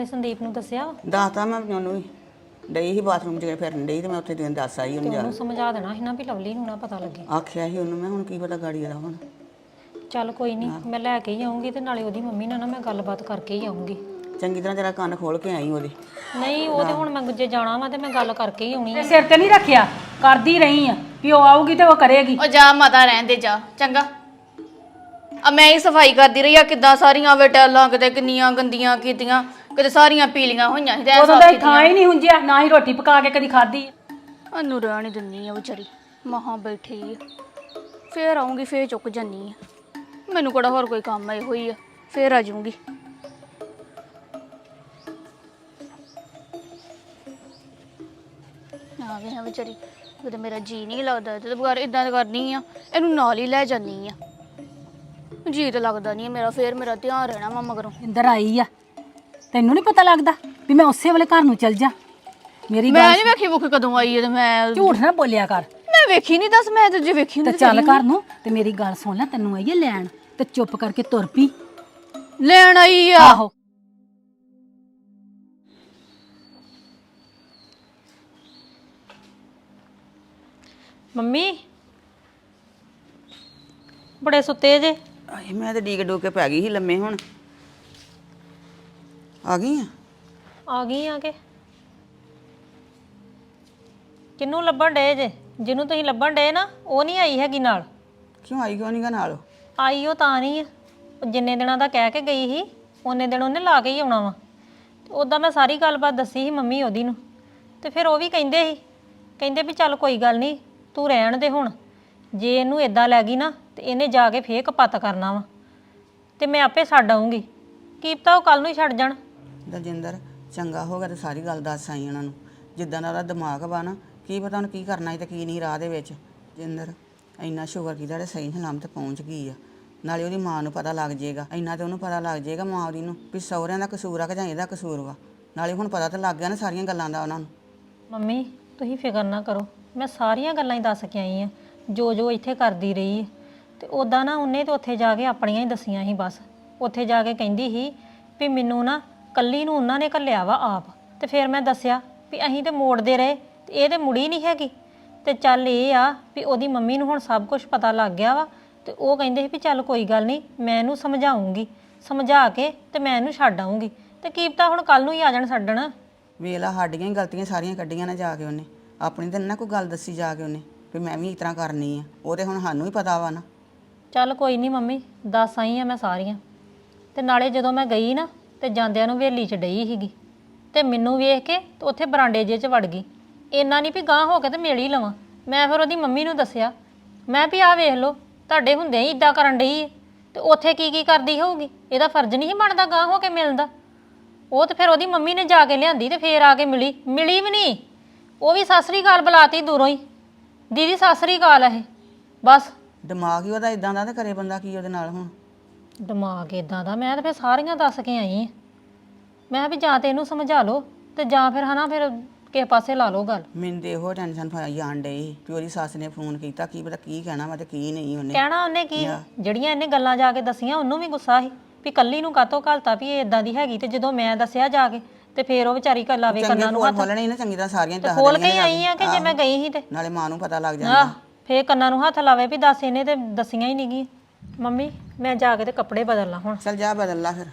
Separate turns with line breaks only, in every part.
ਸੰਦੀਪ ਨੂੰ ਦੱਸਿਆ
ਦੱਸਤਾ ਮੈਂ ਉਹਨੂੰ ਵੀ ਡਈ ਸੀ ਬਾਥਰੂਮ 'ਚ ਫਿਰਨ ਡਈ ਤੇ ਮੈਂ ਉੱਥੇ ਦਿਨ ਦੱਸ ਆਈ ਉਹਨੂੰ ਜਾ
ਉਹਨੂੰ ਸਮਝਾ ਦੇਣਾ ਸੀ ਨਾ ਵੀ ਲਵਲੀ ਨੂੰ ਨਾ ਪਤਾ ਲੱਗੇ।
ਆਖਿਆ ਸੀ ਉਹਨੂੰ ਮੈਂ ਹੁਣ ਕੀ ਪਤਾ ਗਾੜੀ ਦਾ ਹੁਣ।
ਚੱਲ ਕੋਈ ਨਹੀਂ ਮੈਂ ਲੈ ਕੇ ਹੀ ਆਉਂਗੀ ਤੇ ਨਾਲੇ ਉਹਦੀ ਮੰਮੀ ਨਾਲ ਨਾ ਮੈਂ ਗੱਲਬਾਤ ਕਰਕੇ ਹੀ ਆਉਂਗੀ।
ਚੰਗੀ ਤਰ੍ਹਾਂ ਤੇਰਾ ਕੰਨ ਖੋਲ ਕੇ ਆਈ ਉਹਦੇ।
ਨਹੀਂ ਉਹ ਤੇ ਹੁਣ ਮੈਂ ਜੇ ਜਾਣਾ ਵਾ ਤੇ ਮੈਂ ਗੱਲ ਕਰਕੇ ਹੀ ਆਉਣੀ ਆ।
ਸਿਰ ਤੇ ਨਹੀਂ ਰੱਖਿਆ ਕਰਦੀ ਰਹੀ ਆ ਵੀ ਉਹ ਆਊਗੀ ਤੇ ਉਹ ਕਰੇਗੀ।
ਉਹ ਜਾ ਮਾਤਾ ਰਹਿਣ ਦੇ ਜਾ ਚੰਗਾ। ਆ ਮੈਂ ਹੀ ਸਫਾਈ ਕਰਦੀ ਰਹੀ ਆ ਕਿੱਦਾਂ ਸਾਰੀਆਂ ਟੈਲਾਂ ਕਿਤੇ ਕਿੰਨੀਆਂ ਗੰਦੀਆਂ ਕੀਤੀਆਂ ਕਿਤੇ ਸਾਰੀਆਂ ਪੀਲੀਆਂ ਹੋਈਆਂ ਸੀ ਤੇ
ਉਦੋਂ ਦਾ ਥਾਂ ਹੀ ਨਹੀਂ ਹੁੰਜਿਆ ਨਾ ਹੀ ਰੋਟੀ ਪਕਾ ਕੇ ਕਦੀ ਖਾਧੀ।
ਉਹਨੂੰ ਰਹਿਣ ਹੀ ਦਿੰਨੀ ਆ ਵਿਚਾਰੀ ਮਹਾਂ ਬੈਠੀ ਆ ਫੇਰ ਆਉਂਗੀ ਫੇਰ ਚੁੱਕ ਜਾਨੀ ਆ ਮੈਨੂੰ ਕਿਹੜਾ ਹੋਰ ਕੋਈ ਕੰਮ ਇਹੋ ਹੀ ਆ ਫੇਰ ਆ ਜਾਊਂਗੀ। ਆ ਗਈ ਹਾਂ ਵਿਚਾਰੀ ਕਿਤੇ ਮੇਰਾ ਜੀ ਨਹੀਂ ਲੱਗਦਾ ਤੇ ਬਗਾਰ ਇਦਾਂ ਕਰਨੀ ਆ ਇਹਨੂੰ ਨਾਲ ਹੀ ਲੈ ਜਾਨੀ ਆ ਜੀ ਤਾਂ ਲੱਗਦਾ ਨਹੀਂ ਮੇਰਾ ਫੇਰ ਮੇਰਾ ਧਿਆਨ ਰਹਿਣਾ ਵਾ ਮਗਰੋਂ।
ਇੰਦਰ ਆਈ ਆ ਤੈਨੂੰ ਨਹੀਂ ਪਤਾ ਲੱਗਦਾ ਵੀ ਮੈਂ ਉਸੇ ਵੇਲੇ ਘਰ ਨੂੰ ਚਲ ਜਾ। ਮੇਰੀ
ਮੈਂ
ਗੱਲ
ਨਹੀਂ ਵੇਖੀ ਮੁੱਖ ਕਦੋਂ ਆਈ ਹੈ ਤੇ ਮੈਂ
ਝੂਠ ਨਾ ਬੋਲਿਆ ਕਰ।
ਮੈਂ ਵੇਖੀ ਨਹੀਂ ਦੱਸ ਮੈਂ ਤੇ ਜੇ ਵੇਖੀ
ਤੇ
ਹੁੰਦੀ
ਚੱਲ ਘਰ ਨੂੰ ਤੇ ਮੇਰੀ ਗੱਲ ਸੁਣ ਲੈ ਤੈਨੂੰ ਆਈਏ ਲੈਣ ਤੇ ਚੁੱਪ ਕਰਕੇ ਤੁਰ ਪਈ।
ਲੈਣ ਆਈ ਆ।
ਆਹੋ
ਮੰਮੀ ਬੜੇ ਸੁੱਤੇ ਜੇ।
ਆਏ ਮੈਂ ਤੇ ਡੀਕ ਡੋਕ ਕੇ ਪੈ ਗਈ ਸੀ ਲੰਮੇ ਹੁਣ। ਆ ਗਈ
ਆ ਗਈ ਆ ਕੇ ਕਿੰਨੂੰ ਲੱਭਣ ਡੇ ਜੇ? ਜਿਹਨੂੰ ਤੁਸੀਂ ਲੱਭਣ ਡੇ ਨਾ ਉਹ ਨਹੀਂ ਆਈ ਹੈਗੀ ਨਾਲ।
ਕਿਉਂ ਆਈ ਕਿਉਂ ਨਹੀਂ ਗਾ ਨਾਲ?
ਆਈ ਉਹ ਤਾਂ ਨਹੀਂ ਆ ਉਹ ਜਿੰਨੇ ਦਿਨਾਂ ਦਾ ਕਹਿ ਕੇ ਗਈ ਸੀ ਉਹਨੇ ਦਿਨ ਉਹਨੇ ਲਾ ਕੇ ਹੀ ਆਉਣਾ ਵਾ। ਉੱਦਾਂ ਮੈਂ ਸਾਰੀ ਗੱਲਬਾਤ ਦੱਸੀ ਸੀ ਮੰਮੀ ਉਹਦੀ ਨੂੰ ਤੇ ਫਿਰ ਉਹ ਵੀ ਕਹਿੰਦੇ ਵੀ ਚੱਲ ਕੋਈ ਗੱਲ ਨਹੀਂ ਤੂੰ ਰਹਿਣ ਦੇ ਹੁਣ ਜੇ ਇਹਨੂੰ ਇਦਾਂ ਲੈ ਗਈ ਨਾ ਤੇ ਇਹਨੇ ਜਾ ਕੇ ਫੇਰ ਕਪੱਤ ਕਰਨਾ ਵਾ ਤੇ ਮੈਂ ਆਪੇ ਛੱਡ ਆਉਂਗੀ। ਕੀ ਪਤਾ ਉਹ ਕੱਲ ਨੂੰ ਹੀ ਛੱਡ ਜਾਣ।
ਦਲਜਿੰਦਰ ਚੰਗਾ ਹੋ ਗਿਆ ਤੇ ਸਾਰੀ ਗੱਲ ਦੱਸ ਆਈ ਉਹਨਾਂ ਨੂੰ ਜਿੱਦਾਂ ਦਾ ਉਹਦਾ ਦਿਮਾਗ ਵਾ ਨਾ ਕੀ ਪਤਾ ਉਹਨੂੰ ਕੀ ਕਰਨਾ ਸੀ ਤੇ ਕੀ ਨਹੀਂ ਰਾਹ ਦੇ ਵਿੱਚ। ਜਿੰਦਰ ਇੰਨਾ ਸ਼ੁਕਰ ਕੀਤਾ ਤੇ ਸਹੀ ਸਲਾਮਤ ਪਹੁੰਚ ਗਈ ਆ। ਨਾਲੇ ਉਹਦੀ ਮਾਂ ਨੂੰ ਪਤਾ ਲੱਗ ਜਾਏਗਾ ਇੰਨਾ ਤੇ ਉਹਨੂੰ ਪਤਾ ਲੱਗ ਜਾਏਗਾ ਮਾਂ ਉਹਦੀ ਨੂੰ ਵੀ ਸਹੁਰਿਆਂ ਦਾ ਕਸੂਰ ਆ ਕਿ ਜਾਂ ਇਹਦਾ ਕਸੂਰ ਵਾ। ਨਾਲੇ ਹੁਣ ਪਤਾ ਤਾਂ ਲੱਗ ਗਿਆ ਨਾ ਸਾਰੀਆਂ ਗੱਲਾਂ ਦਾ ਉਹਨਾਂ ਨੂੰ।
ਮੰਮੀ ਤੁਸੀਂ ਫਿਕਰ ਨਾ ਕਰੋ ਮੈਂ ਸਾਰੀਆਂ ਗੱਲਾਂ ਹੀ ਦੱਸ ਕੇ ਆਈ ਆ ਜੋ ਇੱਥੇ ਕਰਦੀ ਰਹੀ ਹੈ ਤੇ ਉੱਦਾਂ ਨਾ ਉਹਨੇ ਤੇ ਉੱਥੇ ਜਾ ਕੇ ਆਪਣੀਆਂ ਹੀ ਦੱਸੀਆਂ ਸੀ ਬਸ। ਉੱਥੇ ਜਾ ਕੇ ਕਹਿੰਦੀ ਸੀ ਵੀ ਮੈਨੂੰ ਨਾ ਕੱਲੀ ਨੂੰ ਉਹਨਾਂ ਨੇ ਘੱਲਿਆ ਵਾ ਆਪ ਤੇ ਫਿਰ ਮੈਂ ਦੱਸਿਆ ਵੀ ਅਸੀਂ ਤੇ ਮੋੜਦੇ ਰਹੇ ਤੇ ਇਹ ਤੇ ਮੁੜੀ ਨਹੀਂ ਹੈਗੀ ਤੇ ਚੱਲ ਇਹ ਆ ਵੀ ਉਹਦੀ ਮੰਮੀ ਨੂੰ ਹੁਣ ਸਭ ਕੁਝ ਪਤਾ ਲੱਗ ਗਿਆ ਵਾ ਤੇ ਉਹ ਕਹਿੰਦੇ ਸੀ ਵੀ ਚੱਲ ਕੋਈ ਗੱਲ ਨਹੀਂ ਮੈਂ ਇਹਨੂੰ ਸਮਝਾਉਂਗੀ ਸਮਝਾ ਕੇ ਤੇ ਮੈਂ ਇਹਨੂੰ ਛੱਡ ਆਉਂਗੀ ਤੇ ਕੀ ਪਤਾ ਹੁਣ ਕੱਲ ਨੂੰ ਹੀ ਆ ਜਾਣ ਛੱਡਣ।
ਵੇਲਾ ਸਾਡੀਆਂ ਹੀ ਗਲਤੀਆਂ ਸਾਰੀਆਂ ਕੱਢੀਆਂ ਨਾ ਜਾ ਕੇ ਉਹਨੇ ਆਪਣੀ ਤਾਂ ਨਾ ਕੋਈ ਗੱਲ ਦੱਸੀ ਜਾ ਕੇ ਉਹਨੇ ਵੀ ਮੈਂ ਵੀ ਇਸ ਤਰ੍ਹਾਂ ਕਰਨੀ ਆ। ਉਹ ਤੇ ਹੁਣ ਸਾਨੂੰ ਹੀ ਪਤਾ ਵਾ ਨਾ।
ਚੱਲ ਕੋਈ ਨਹੀਂ ਮੰਮੀ ਦੱਸ ਆਈ ਆ ਮੈਂ ਸਾਰੀਆਂ ਤੇ ਨਾਲੇ ਜਦੋਂ ਮੈਂ ਗਈ ਨਾ ਤੇ ਜਾਂਦਿਆਂ ਨੂੰ ਹਵੇਲੀ 'ਚ ਡਈ ਸੀਗੀ ਤੇ ਮੈਨੂੰ ਵੇਖ ਕੇ ਤੇ ਉੱਥੇ ਬਰਾਂਡੇ ਜੇ 'ਚ ਵੜ ਗਈ। ਇੰਨਾ ਨਹੀਂ ਵੀ ਗਾਂਹ ਹੋ ਕੇ ਤੇ ਮਿਲ ਹੀ ਲਵਾਂ। ਮੈਂ ਫਿਰ ਉਹਦੀ ਮੰਮੀ ਨੂੰ ਦੱਸਿਆ ਮੈਂ ਵੀ ਆਹ ਵੇਖ ਲਓ ਤੁਹਾਡੇ ਹੁੰਦਿਆਂ ਹੀ ਇਦਾਂ ਕਰਨ ਡਈ ਤੇ ਉੱਥੇ ਕੀ ਕਰਦੀ ਹੋਊਗੀ। ਇਹਦਾ ਫਰਜ਼ ਨਹੀਂ ਬਣਦਾ ਗਾਂਹ ਹੋ ਕੇ ਮਿਲਦਾ। ਉਹ ਤੇ ਫਿਰ ਉਹਦੀ ਮੰਮੀ ਨੇ ਜਾ ਕੇ ਲਿਆਂਦੀ ਤੇ ਫੇਰ ਆ ਕੇ ਮਿਲੀ ਵੀ ਨਹੀਂ। ਉਹ ਵੀ ਸਤਿ ਸ੍ਰੀ ਅਕਾਲ ਬੁਲਾਤੀ ਦੂਰੋਂ ਹੀ ਦੀਦੀ ਸਤਿ ਸ੍ਰੀ ਅਕਾਲ ਇਹ ਬਸ।
ਦਿਮਾਗ ਹੀ ਉਹਦਾ ਇਦਾਂ ਦਾ ਤੇ ਕਰੇ ਬੰਦਾ ਕੀ ਉਹਦੇ ਨਾਲ ਹੁਣ।
ਦਿਮਾਗ ਇਦਾਂ ਦਾ ਮੈਂ ਤਾਂ ਫਿਰ ਸਾਰੀਆਂ ਦੱਸ ਕੇ ਆਈ ਆ। ਮੈਂ ਵੀ ਜਾਂ ਤੇ ਇਹਨੂੰ ਸਮਝਾ ਲਓ ਤੇ ਜਾਂ ਫਿਰ ਹਨਾ ਫਿਰ ਕਿਸੇ ਪਾਸੇ ਲਾ ਲਓ ਗੱਲ।
ਮੈਨੂੰ ਤੇ ਇਹੋ ਟੈਨਸ਼ਨ ਪਾਈ ਜਾਣ ਡਈ ਵੀ ਉਹਦੀ ਸੱਸ ਨੇ ਫੋਨ ਕੀਤਾ ਕੀ ਪਤਾ ਕੀ ਕਹਿਣਾ ਵਾ ਤੇ ਕੀ ਨਹੀਂ ਉਹਨੇ
ਕਹਿਣਾ। ਉਹਨੇ ਕੀ ਜਿਹੜੀਆਂ ਇਹਨੇ ਗੱਲਾਂ ਜਾ ਕੇ ਦੱਸੀਆਂ ਉਹਨੂੰ ਵੀ ਗੁੱਸਾ ਸੀ ਵੀ ਕੱਲੀ ਨੂੰ ਕਾਤੋਂ ਘਲਤਾ ਵੀ ਇਹ ਇਦਾਂ ਦੀ ਹੈਗੀ ਤੇ ਜਦੋਂ ਮੈਂ ਦੱਸਿਆ ਜਾ ਕੇ ਤੇ ਫੇਰ ਉਹ ਵਿਚਾਰੀ ਲਾਵੇ ਕੰਨਾਂ ਨੂੰ ਹੱਥ
ਖੋਲਣੇ ਨਾ ਚੰਗੀ ਤਰ੍ਹਾਂ ਸਾਰੀਆਂ ਦੱਸ
ਖੋਲ ਕੇ ਹੀ ਆਈ ਆ ਕਿ ਜੇ ਮੈਂ ਗਈ ਸੀ ਤੇ
ਨਾਲੇ ਮਾਂ ਨੂੰ ਪਤਾ ਲੱਗ ਜਾਂਦਾ।
ਫੇਰ ਕੰਨਾਂ ਨੂੰ ਹੱਥ ਲਾਵੇ ਵੀ ਦੱਸ ਇਹਨੇ ਤੇ ਦਸੀਆਂ ਹੀ ਨਹੀਂਗੀ। ਮੰਮੀ ਮੈਂ ਜਾ ਕੇ ਤੇ ਕੱਪੜੇ ਬਦਲਣਾ ਹੁਣ।
ਚੱਲ ਜਾ ਬਦਲ ਲਾ ਫਿਰ।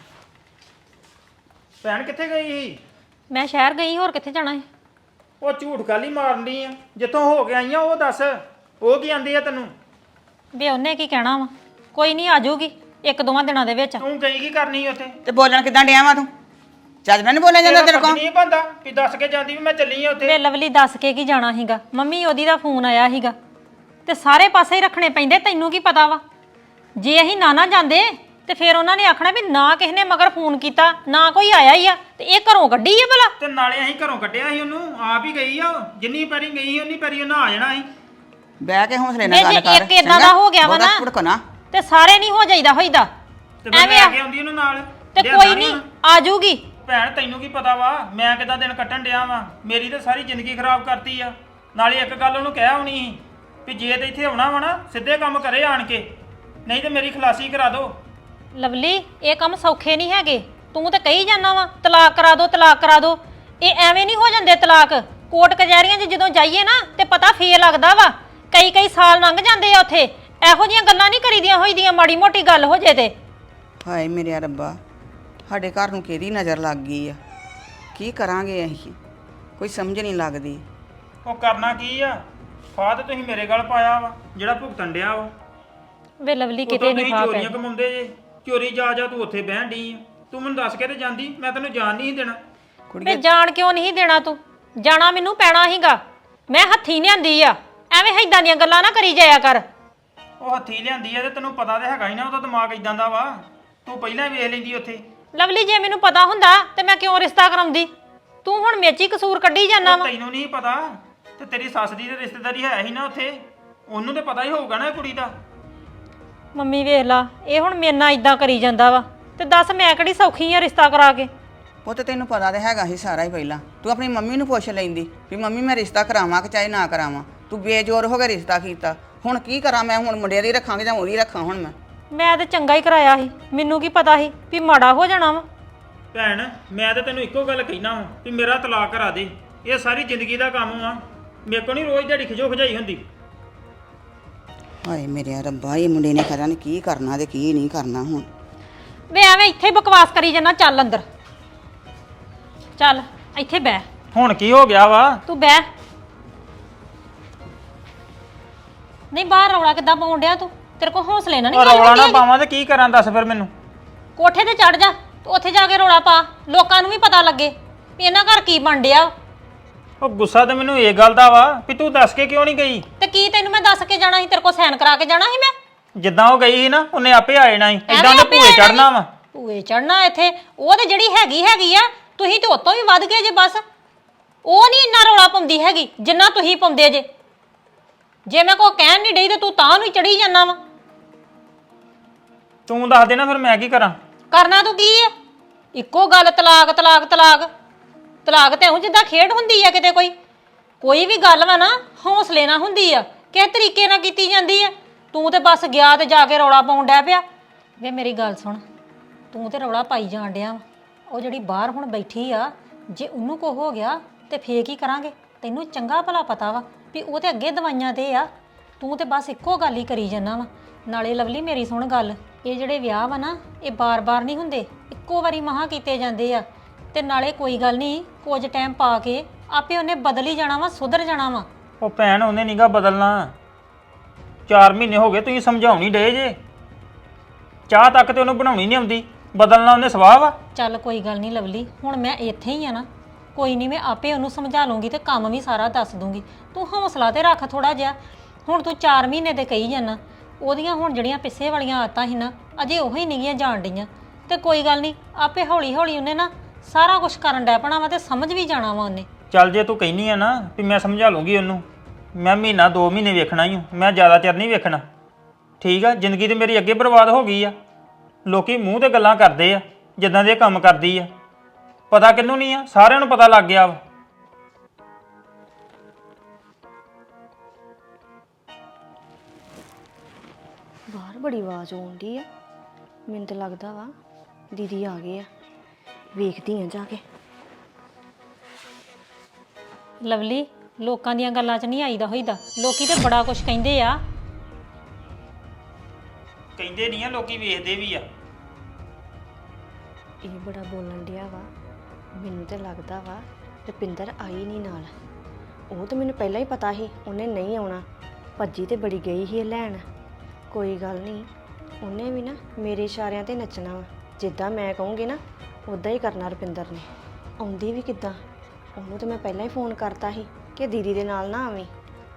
ਭੈਣ ਕਿੱਥੇ ਗਈ ਸੀ?
ਮੈਂ ਸ਼ਹਿਰ ਗਈ ਹੋਰ ਕਿੱਥੇ ਜਾਣਾ ਹੈ?
ਉਹ ਝੂਠ ਗੱਲ ਹੀ ਮਾਰਨ ਡਈ ਆ। ਜਿੱਥੋਂ ਹੋ ਕੇ ਆਈਆਂ ਉਹ ਦੱਸ ਉਹ ਕੀ ਆਂਦੀ ਆ ਤੈਨੂੰ?
ਵੀ ਉਹਨੇ ਕੀ ਕਹਿਣਾ ਵਾ ਕੋਈ ਨਹੀਂ ਆ ਜਾਊਗੀ ਇੱਕ ਦੋਵਾਂ ਦਿਨਾਂ ਦੇ ਵਿੱਚ।
ਤੂੰ ਗਈ ਕੀ ਕਰਨੀ ਉੱਥੇ?
ਤੇ ਬੋਲਣ ਕਿਦਾਂ ਡਿਆ ਵਾ ਤੂੰ? ਚੱਜ ਨਾਲ ਨਹੀਂ ਬੋਲਿਆ ਜਾਂਦਾ ਤੇਰੇ ਕੋਲ?
ਨਹੀਂ ਬੰਦਾ ਵੀ ਦੱਸ ਕੇ ਜਾਂਦੀ ਵੀ ਮੈਂ ਚੱਲੀ ਆ ਉੱਥੇ।
ਵੇ ਲਵਲੀ ਦੱਸ ਕੇ ਕੀ ਜਾਣਾ ਸੀਗਾ। ਮੰਮੀ ਉਹਦੀ ਦਾ ਫੋਨ ਆਇਆ ਸੀਗਾ ਤੇ ਸਾਰੇ ਪਾਸੇ ਹੀ ਰੱਖਣੇ ਪੈਂਦੇ ਤੈਨੂੰ ਕੀ ਪਤਾ ਵਾ। ਜੇ ਅਸੀਂ ਨਾ ਜਾਂਦੇ ਤੇ ਫਿਰ ਉਹਨਾਂ ਨੇ ਆਖਣਾ ਵੀ ਨਾ ਕਿਸੇ ਨੇ ਮਗਰ ਫੋਨ ਕੀਤਾ ਨਾ ਕੋਈ ਆਇਆ ਹੀ ਆ ਤੇ ਇਹ ਘਰੋਂ ਕੱਢੀ ਆ ਭਲਾ।
ਤੇ ਨਾਲੇ ਅਸੀਂ ਘਰੋਂ ਕੱਢਿਆ ਸੀ ਉਹਨੂੰ ਆਪ ਹੀ ਗਈ ਆ। ਜਿੰਨੀ ਪੈਰੀ ਗਈ ਸੀ ਉਨੀ ਪੈਰੀ ਉਹਨਾਂ ਆ ਜਾਣਾ ਸੀ।
ਬਹਿ ਕੇ ਹੌਸਲੇ ਨਾਲ ਗੱਲ ਕਰ।
ਜੇ ਇੱਕ ਇਦਾਂ ਦਾ ਹੋ ਗਿਆ ਵਾ
ਨਾ
ਤੇ ਸਾਰੇ ਨਹੀਂ ਹੋ ਜਾਈਦਾ ਹੋਈਦਾ
ਤੇ ਮੈਂ ਲੈ ਕੇ ਆਉਂਦੀ ਉਹਨੂੰ ਨਾਲ
ਤੇ ਕੋਈ ਨਹੀਂ ਆ ਜਾਊਗੀ।
ਭੈਣ ਤੈਨੂੰ ਕੀ ਪਤਾ ਵਾ ਮੈਂ ਕਿਦਾਂ ਦਿਨ ਕੱਟਣ ਡਿਆ ਵਾ। ਮੇਰੀ ਤਾਂ ਸਾਰੀ ਜ਼ਿੰਦਗੀ ਖਰਾਬ ਕਰਤੀ ਆ। ਨਾਲੇ ਇੱਕ ਗੱਲ ਉਹਨੂੰ ਕਹਿ ਹੋਣੀ ਸੀ ਵੀ ਜੇ ਤੇ ਇੱਥੇ ਆਉਣਾ ਵਾ ਨਾ ਸਿੱਧੇ ਕੰਮ ਕਰੇ ਆਣ ਕੇ ਨਹੀਂ ਤੇ ਮੇਰੀ ਖਲਾਸੀ ਕਰਾ ਦੋ।
ਲਵਲੀ ਇਹ ਕੰਮ ਸੌਖੇ ਨਹੀਂ ਹੈਗੇ ਤੂੰ ਤੇ ਕਹੀ ਜਾਂਦਾ ਵਾ ਤਲਾਕ ਕਰਾ ਦੋ ਤਲਾਕ ਕਰਾ ਦੋ। ਇਹ ਐਵੇਂ ਨਹੀਂ ਹੋ ਜਾਂਦੇ ਤਲਾਕ। ਕੋਰਟ ਕਚਹਿਰੀਆਂ 'ਚ ਜਦੋਂ ਜਾਈਏ ਨਾ ਤੇ ਪਤਾ ਫੇਰ ਲੱਗਦਾ ਵਾ। ਕਈ ਸਾਲ ਲੰਘ ਜਾਂਦੇ ਆ ਉੱਥੇ। ਇਹੋ ਜਿਹੀਆਂ ਗੱਲਾਂ ਨਹੀਂ ਕਰੀਦੀਆਂ ਹੋਈਆਂ, ਮਾੜੀ ਮੋਟੀ ਗੱਲ ਹੋ ਜੇ ਤੇ।
ਹਾਏ ਮੇਰੇ ਰੱਬਾ, ਸਾਡੇ ਘਰ ਨੂੰ ਕਿਹਦੀ ਨਜ਼ਰ ਲੱਗ ਗਈ ਆ? ਕੀ ਕਰਾਂਗੇ ਅਸੀਂ? ਕੋਈ ਸਮਝ ਨਹੀਂ ਲੱਗਦੀ।
ਉਹ ਕਰਨਾ ਕੀ ਆ? ਫਾਦ ਤੁਸੀਂ ਮੇਰੇ ਗਲ ਪਾਇਆ ਵਾ ਜਿਹੜਾ ਭੁਗਤਣ ਡਿਆ ਵਾ।
ਵੇ ਲਵਲੀ ਕਿਤੇ
ਉਤੋਂ
ਨਹੀਂ
ਤੁਸੀਂ
ਖਾ
ਚੋਰੀਆਂ
ਪੈ।
ਕਮਾਉਂਦੇ ਜੇ। ਚੋਰੀ ਜਾ ਤੂੰ ਉੱਥੇ ਬਹਿਣ ਡਈ ਆ। ਤੂੰ ਮੈਨੂੰ ਦੱਸ ਕੇ ਤੇ ਜਾਂਦੀ, ਮੈਂ ਤੈਨੂੰ ਜਾਣ ਨਹੀਂ ਸੀ ਦੇਣਾ।
ਵੇ ਜਾਣ ਕਿਉਂ ਨਹੀਂ ਦੇਣਾ? ਤੂੰ ਜਾਣਾ ਮੈਨੂੰ ਪੈਣਾ ਸੀਗਾ। ਮੈਂ ਹੱਥੀ ਲਿਆਂਦੀ ਆ। ਐਵੇਂ ਏਦਾਂ ਦੀਆਂ ਗੱਲਾਂ ਨਾ ਕਰੀ ਜਾਇਆ ਕਰ।
ਉਹ ਹੱਥੀ ਲਿਆਂਦੀ ਆ ਤੇ ਤੈਨੂੰ ਪਤਾ ਤੇ ਹੈਗਾ ਹੀ ਨਾ ਉਹਦਾ ਦਿਮਾਗ ਇਦਾਂ ਦਾ ਵਾ। ਤੂੰ ਪਹਿਲਾਂ ਹੀ ਵੇਖ ਲੈਂਦੀ ਉੱਥੇ।
ਲਵਲੀ ਜੇ ਮੈਨੂੰ ਪਤਾ ਹੁੰਦਾ ਤੇ ਮੈਂ ਕਿਉਂ ਰਿਸ਼ਤਾ ਕਰਾਉਂਦੀ? ਤੂੰ ਹੁਣ ਮੇਚੀ ਕਸੂਰ ਕੱਢੀ ਜਾਂਦਾ ਵਾ।
ਤੈਨੂੰ ਨਹੀਂ ਪਤਾ ਤੇ ਤੇਰੀ ਸੱਸ ਦੀ ਤੇ ਰਿਸ਼ਤੇਦਾਰੀ ਹੈ ਹੀ ਨਾ ਉੱਥੇ। ਉਹਨੂੰ ਤੇ ਪਤਾ ਹੀ ਹੋਊਗਾ ਨਾ ਇਹ ਕੁੜੀ ਦਾ।
ਮੰਮੀ ਵੇਖ ਲਾ, ਇਹ ਹੁਣ ਮੇਰੇ ਨਾਲ ਇਦਾਂ ਕਰੀ ਜਾਂਦਾ ਵਾ ਤੇ ਦੱਸ ਮੈਂ ਕਿਹੜੀ ਸੌਖੀ ਆ ਰਿਸ਼ਤਾ ਕਰਾ ਕੇ?
ਪੁੱਤ ਤੈਨੂੰ ਪਤਾ ਤੇ ਹੈਗਾ ਸੀ ਸਾਰਾ ਹੀ ਪਹਿਲਾਂ। ਤੂੰ ਆਪਣੀ ਮੰਮੀ ਨੂੰ ਪੁੱਛ ਲੈਂਦੀ ਵੀ ਮੰਮੀ ਮੈਂ ਰਿਸ਼ਤਾ ਕਰਾਵਾਂ ਕਿ ਚਾਹੇ ਨਾ ਕਰਾਵਾਂ। ਤੂੰ ਬੇਜੋਰ ਹੋ ਕੇ ਰਿਸ਼ਤਾ ਕੀਤਾ। ਹੁਣ ਕੀ ਕਰਾਂ ਮੈਂ? ਹੁਣ ਮੁੰਡੇ ਦੀ ਰੱਖਾਂਗੇ ਜਾਂ ਉਹਦੀ ਰੱਖਾਂ ਹੁਣ
ਮੈਂ ਤੇ ਚੰਗਾ ਹੀ ਕਰਾਇਆ ਸੀ। ਮੈਨੂੰ ਕੀ ਪਤਾ ਸੀ ਵੀ ਮਾੜਾ ਹੋ ਜਾਣਾ ਵਾ।
ਭੈਣ ਮੈਂ ਤਾਂ ਤੈਨੂੰ ਇੱਕੋ ਗੱਲ ਕਹਿਣਾ ਵਾ ਵੀ ਮੇਰਾ ਤਲਾਕ ਕਰਾ ਦੇ। ਇਹ ਸਾਰੀ ਜ਼ਿੰਦਗੀ ਦਾ ਕੰਮ ਵਾ। ਮੇਰੇ ਕੋਲ ਨਹੀਂ ਰੋਜ਼ ਦਿਹਾੜੀ ਖਿਜੋ ਖਜਾਈ ਹੁੰਦੀ।
ਹਾਏ ਮੇਰੇ ਰੱਬਾ, ਇਹ ਮੁੰਡੇ ਨੇ ਖਰਾ ਨੇ ਕੀ ਕਰਨਾ ਤੇ ਕੀ ਨਹੀਂ ਕਰਨਾ ਹੁਣ।
ਵੇ ਐਵੇਂ ਇੱਥੇ ਹੀ ਬਕਵਾਸ ਕਰੀ ਜਾਣਾ। ਚੱਲ ਅੰਦਰ ਚੱਲ, ਇੱਥੇ ਬਹਿ।
ਹੁਣ ਕੀ ਹੋ ਗਿਆ ਵਾ?
ਤੂੰ ਬਹਿ। ਨਹੀਂ ਬਾਹਰ ਰੌਲਾ ਕਿੱਦਾਂ ਪਾਉਣ ਡਿਆ ਤੂੰ? ਤੇਰੇ ਕੋਲ ਹੌਸਲੇ ਨਾਲ ਨਹੀਂ ਗੱਲ
ਰੌਲਾ
ਹੁੰਦੀ
ਨਾ
ਹੈਗੀ?
ਪਾਵਾਂ ਤੇ ਕੀ ਕਰਾਂ ਦੱਸ ਫਿਰ ਮੈਨੂੰ।
ਕੋਠੇ ਤੇ ਚੜ ਜਾ ਤੇ ਉੱਥੇ ਜਾ ਕੇ ਰੌਲਾ ਪਾ। ਲੋਕਾਂ ਨੂੰ ਵੀ ਪਤਾ ਲੱਗੇ ਵੀ ਇਹਨਾਂ ਘਰ ਕੀ ਬਣ ਡਿਆ।
ਉਹ ਗੁੱਸਾ ਤਾਂ ਮੈਨੂੰ ਇਹ ਗੱਲ ਦਾ ਵਾ ਵੀ ਤੂੰ ਦੱਸ ਕੇ ਕਿਉਂ ਨਹੀਂ ਗਈ?
ਤੇ ਕੀ ਤੈਨੂੰ ਮੈਂ ਦੱਸ ਕੇ ਜਾਣਾ ਸੀ? ਤੇਰੇ ਕੋਲ ਸਾਈਨ ਕਰਾ ਕੇ ਜਾਣਾ ਸੀ ਮੈਂ?
ਜਿੱਦਾਂ ਉਹ ਗਈ ਸੀ ਨਾ ਉਹਨੇ ਆਪੇ ਆ ਜਾਣਾ ਸੀ। ਇਦਾਂ
ਐਵੇਂ
ਦੇ
ਆਪੇ
ਭੂਏ
ਆ ਜਾਣਾ
ਚੜਨਾ ਵਾ।
ਭੂਏ ਚੜਨਾ ਇੱਥੇ? ਉਹ ਤੇ ਜਿਹੜੀ ਹੈਗੀ ਆ। ਤੁਸੀਂ ਤੇ ਉਤੋਂ ਵੀ ਵੱਧ ਗਏ ਜੇ ਬਸ। ਉਹ ਨਹੀਂ ਇੰਨਾ ਰੌਲਾ ਪਾਉਂਦੀ ਹੈਗੀ ਜਿੰਨਾ ਤੁਸੀਂ ਪਾਉਂਦੇ ਜੇ। ਜੇ ਮੈਂ ਕੋ ਕਹਿਣ ਨਹੀਂ ਡਈ ਤੇ ਤੂੰ ਤਾਂ ਨੂੰ ਚੜੀ ਜਾਂਦਾ ਵਾ।
ਤੂੰ ਦੱਸ ਦੇ ਨਾ ਫਿਰ ਮੈਂ ਕੀ ਕਰਾਂ?
ਕਰਨਾ ਤੂੰ ਕੀ ਆ? ਇੱਕੋ ਗੱਲ ਤਲਾਕ ਤਲਾਕ ਤਲਾਕ ਤਲਾਕ ਤੇ ਉਹ ਜਿੱਦਾਂ ਖੇਡ ਹੁੰਦੀ ਆ ਕਿਤੇ। ਕੋਈ ਵੀ ਗੱਲ ਵਾ ਨਾ ਹੌਸਲੇ ਨਾਲ ਹੁੰਦੀ ਆ, ਕਿਸ ਤਰੀਕੇ ਨਾਲ ਕੀਤੀ ਜਾਂਦੀ ਆ। ਤੂੰ ਤੇ ਬਸ ਗਿਆ ਤੇ ਜਾ ਕੇ ਰੌਲਾ ਪਾਉਣ ਡਿਆ ਪਿਆ। ਵੇ ਮੇਰੀ ਗੱਲ ਸੁਣ, ਤੂੰ ਤੇ ਰੌਲਾ ਪਾਈ ਜਾਣ ਡਿਆ ਵਾ। ਉਹ ਜਿਹੜੀ ਬਾਹਰ ਹੁਣ ਬੈਠੀ ਆ, ਜੇ ਉਹਨੂੰ ਕੋ ਹੋ ਗਿਆ ਤੇ ਫੇਰ ਕੀ ਕਰਾਂਗੇ? ਤੈਨੂੰ ਚੰਗਾ ਭਲਾ ਪਤਾ ਵਾ ਵੀ ਉਹ ਤੇ ਅੱਗੇ ਦਵਾਈਆਂ ਤੇ ਆ। ਤੂੰ ਤੇ ਬਸ ਇੱਕੋ ਗੱਲ ਹੀ ਕਰੀ ਜਾਂਦਾ ਵਾ। ਨਾਲੇ ਲਵਲੀ ਮੇਰੀ ਸੁਣ ਗੱਲ, ਇਹ ਜਿਹੜੇ ਵਿਆਹ ਵਾ ਨਾ ਇਹ ਬਾਰ-ਬਾਰ ਨਹੀਂ ਹੁੰਦੇ, ਇੱਕੋ ਵਾਰੀ ਮਹਾ ਕੀਤੇ ਜਾਂਦੇ ਆ। ਤੇ ਨਾਲੇ ਕੋਈ ਗੱਲ ਨਹੀਂ, ਕੁਝ ਟਾਈਮ ਪਾ ਕੇ ਆਪੇ ਉਹਨੇ ਬਦਲ ਹੀ ਜਾਣਾ ਵਾ, ਸੁਧਰ ਜਾਣਾ ਵਾ।
ਉਹ ਭੈਣ ਉਹਨੇ ਨੀਗਾ ਬਦਲਣਾ। 4 ਮਹੀਨੇ ਹੋ ਗਏ ਤੁਸੀਂ ਸਮਝਾਉਣੀ ਡੇ ਜੇ। ਚਾਹ ਤੱਕ ਤੇ ਉਹਨੂੰ ਬਣਾਉਣੀ ਨਹੀਂ ਆਉਂਦੀ। ਬਦਲਣਾ ਉਹਨੇ ਸੁਭਾਅ ਵਾ।
ਚੱਲ ਕੋਈ ਗੱਲ ਨਹੀਂ ਲਵਲੀ, ਹੁਣ ਮੈਂ ਇੱਥੇ ਹੀ ਆ ਨਾ। ਕੋਈ ਨਹੀਂ, ਮੈਂ ਆਪੇ ਉਹਨੂੰ ਸਮਝਾ ਲੂੰਗੀ ਤੇ ਕੰਮ ਵੀ ਸਾਰਾ ਦੱਸ ਦੂੰਗੀ। ਤੂੰ ਹੌਸਲਾ ਤੇ ਰੱਖ ਥੋੜਾ ਜਿਹਾ। ਹੁਣ ਤੂੰ 4 ਮਹੀਨੇ ਦੇ ਕਹੀ ਜਾਣਾ। ਉਹਦੀਆਂ ਹੁਣ ਜਿਹੜੀਆਂ ਪਿੱਛੇ ਵਾਲੀਆਂ ਆਦਤਾਂ ਸੀ ਨਾ, ਅਜੇ ਉਹੀ ਨਹੀਂ ਗੀਆਂ ਜਾਣ ਡੀਆਂ। ਤੇ ਕੋਈ ਗੱਲ ਨਹੀਂ, ਆਪੇ ਹੌਲੀ ਹੌਲੀ ਉਹਨੇ ਨਾ ਸਾਰਾ ਕੁਝ ਕਰਨ ਡੈ ਪਣਾ ਵਾ ਤੇ ਸਮਝ ਵੀ ਜਾਣਾ ਵਾ ਉਹਨੇ।
ਚੱਲ ਜੇ ਤੂੰ ਕਹਿਨੀ ਆ ਨਾ ਵੀ ਮੈਂ ਸਮਝਾ ਲੂੰਗੀ ਉਹਨੂੰ, ਮੈਂ ਮਹੀਨਾ 2 ਮਹੀਨੇ ਵੇਖਣਾ ਹੀ। ਮੈਂ ਜ਼ਿਆਦਾ ਚਿਰ ਨਹੀਂ ਵੇਖਣਾ। ਠੀਕ ਆ? ਜ਼ਿੰਦਗੀ ਤੇ ਮੇਰੀ ਅੱਗੇ ਬਰਬਾਦ ਹੋ ਗਈ ਆ। ਲੋਕੀ ਮੂੰਹ ਤੇ ਗੱਲਾਂ ਕਰਦੇ ਆ ਜਿੱਦਾਂ ਦੇ ਕੰਮ ਕਰਦੀ ਆ। ਪਤਾ ਕਿਹਨੂੰ ਨਹੀਂ ਆ, ਸਾਰਿਆਂ ਨੂੰ ਪਤਾ ਲੱਗ ਗਿਆ ਵਾ।
ਬਾਹਰ ਬੜੀ ਆਵਾਜ਼ ਆਉਂਦੀ ਆ। ਮੈਨੂੰ ਤਾਂ ਲੱਗਦਾ ਵਾ ਦੀਦੀ ਆ ਗਏ ਆ। ਵੇਖਦੀ ਆ ਜਾ ਕੇ।
ਲਵਲੀ, ਲੋਕਾਂ ਦੀਆਂ ਗੱਲਾਂ 'ਚ ਨਹੀਂ ਆਈਦਾ ਹੋਈਦਾ। ਲੋਕੀ ਤੇ ਬੜਾ ਕੁਝ ਕਹਿੰਦੇ ਆ।
ਕਹਿੰਦੇ ਨਹੀਂ ਆ, ਲੋਕੀ ਵੇਖਦੇ ਵੀ ਆ।
ਇਹ ਬੜਾ ਬੋਲਣ ਡਿਆ ਵਾ। ਮੈਨੂੰ ਤਾਂ ਲੱਗਦਾ ਵਾ ਰੁਪਿੰਦਰ ਆਈ ਨਹੀਂ ਨਾਲ। ਉਹ ਤਾਂ ਮੈਨੂੰ ਪਹਿਲਾਂ ਹੀ ਪਤਾ ਸੀ ਉਹਨੇ ਨਹੀਂ ਆਉਣਾ। ਭੱਜੀ ਤੇ ਬੜੀ ਗਈ ਸੀ ਇਹ ਲੈਣ। ਕੋਈ ਗੱਲ ਨਹੀਂ, ਉਹਨੇ ਵੀ ਨਾ ਮੇਰੇ ਇਸ਼ਾਰਿਆਂ ਤੇ ਨੱਚਣਾ ਵਾ। ਜਿੱਦਾਂ ਮੈਂ ਕਹੂੰਗੀ ਨਾ ਉਦਾਂ ਹੀ ਕਰਨਾ ਰੁਪਿੰਦਰ ਨੇ। ਆਉਂਦੀ ਵੀ ਕਿੱਦਾਂ? ਉਹਨੂੰ ਤਾਂ ਮੈਂ ਪਹਿਲਾਂ ਹੀ ਫੋਨ ਕਰਤਾ ਸੀ ਕਿ ਦੀਦੀ ਦੇ ਨਾਲ ਨਾ ਆਵੀਂ।